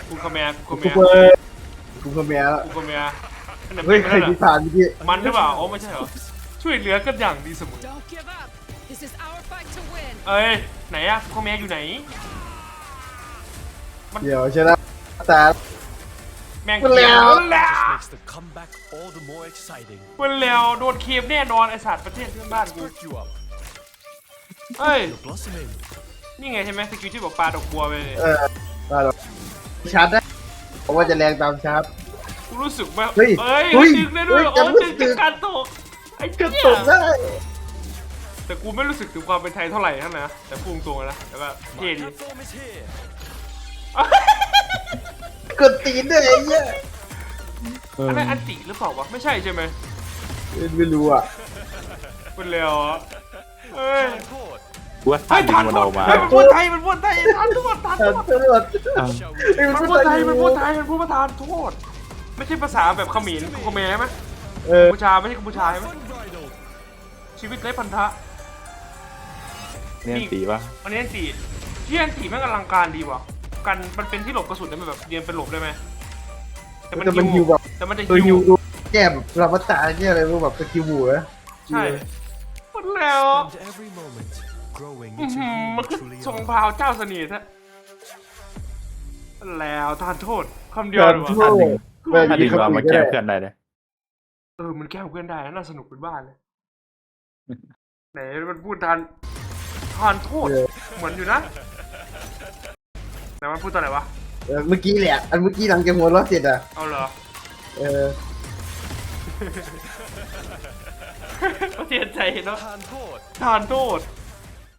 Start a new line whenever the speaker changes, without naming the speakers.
กูคาเมียกู
กู
คาเมีย
เปิดกูคาเมียแล้ว
กูคาเมียอันนั้น
เฮ้ย
เป็น
ใคร
อะไร
พิพานเมื่อกี้
มันหรือเปล่าโอ้ไม่ใช่เหรอช่วยเหลือกันอย่างดีเสมอ
Don't give up. This is our fight to win.
เอ้ยไหนอะกูคาเมียอยู่ไหน
เดี๋ยวชนะแต่
แม่ง
มันแล้ว
มันแล้ว
Just makes the comeback all the more exciting.
มันแล้วโดนเคมแน่นอนไอสัตว์ประเทศเพื่อนบ้านกู
Perk you up.
เอ้ย
You're blossoming.
นี่ไงใช่ไหมสกิลที่บอกปลาดอกบัวไปเลย
ได้หรอกชาร์จได้เพราะว่าจะแรงตามชาร์จ
กูรู้สึกว่า
เฮ้ย
เอ้ย
เฮ้ย
ดึงได้ด้วย
เฮ้ย
โอ้
จำรู้
ดึง
สึ
จาก
ก
การตกไอ้
กระ
เหี้
ตุ
ย
กได้
แต่กูไม่รู้สึกถึงความเป็นไทยเท่าไหร่ทั้งนะแต่พุ่งตรงนะแต่ว่าเท่
My
ดี
platform is here.
กดตีนด้วยไอ้เหี้ย
อันนั้นอันติหรือเปล่าวะไม่ใช่ใช่ไหม
ไม่รู้อ่ะ
เป็นแล้วอะเอ้ย
Time caught.
กูว่า
เฮ้
ท่าย น
ทั
ยิ
น
ง
ห
มัน
ม
อ
ด
อกมา
เฮ้ยมันพูดไทยมันพูดไทยทันทุกคนทัน
ต
ทุกคน
ำรวจ
Shall we?
มันพูดไทยมันพูดไทยมันพูดประธานโทษไม่ใช่ภาษาแบบเขมรกูเขมรใช่ไหม
เออ
กัมพูชาไม่ใช่กัมพูชาใช่ไหม
Unbridled.
ชีวิตไร้พันธะ
เนี่ยตีป่ะ
อันนี้อันตีที่อันตีแม่งอลังการดีว่ะกันมันเป็นที่หลบกระสุนได้ไหมแบบเรียนเป็นหลบได้ไหมแต่มัน
แต่มันฮิวแบบ
แต่มันจะ
ตัว
ฮิ
ฮิ
ว
วดูแก้แบบรับมาตาเนี่ยอะไรรู้แบบสกิลบูนะ
ใช่หมดแล้ว
And every moment growing
อื้อ
into
หือ
who
มัน
you
คือ
truly
ทรง
are.
พราวเจ้าเสน่ห์แท้แล้วทานโทษคำเดียวเลยวะ
ท่านหนึ่ง
แม่ง
ท่านห
มี
นึ่งเรา
คำ
มา
อื่นก็
แก้
ได้
เพื่อนได้เลย
มันแกล้งเพื่อนได้นะน่าสนุกเป็นบ้านเลยไหนมันพูดทานโทษเหมือนอยู่นะแต่มันพูดตอนไหนวะ
เมื่อกี้แหละอันเมื่อกี้หลังจากหัวเราะเสร็จอ่ะ
เอาเหรอ
เออ
เสียใจเนาะ
Hand caught.
ทานโทษ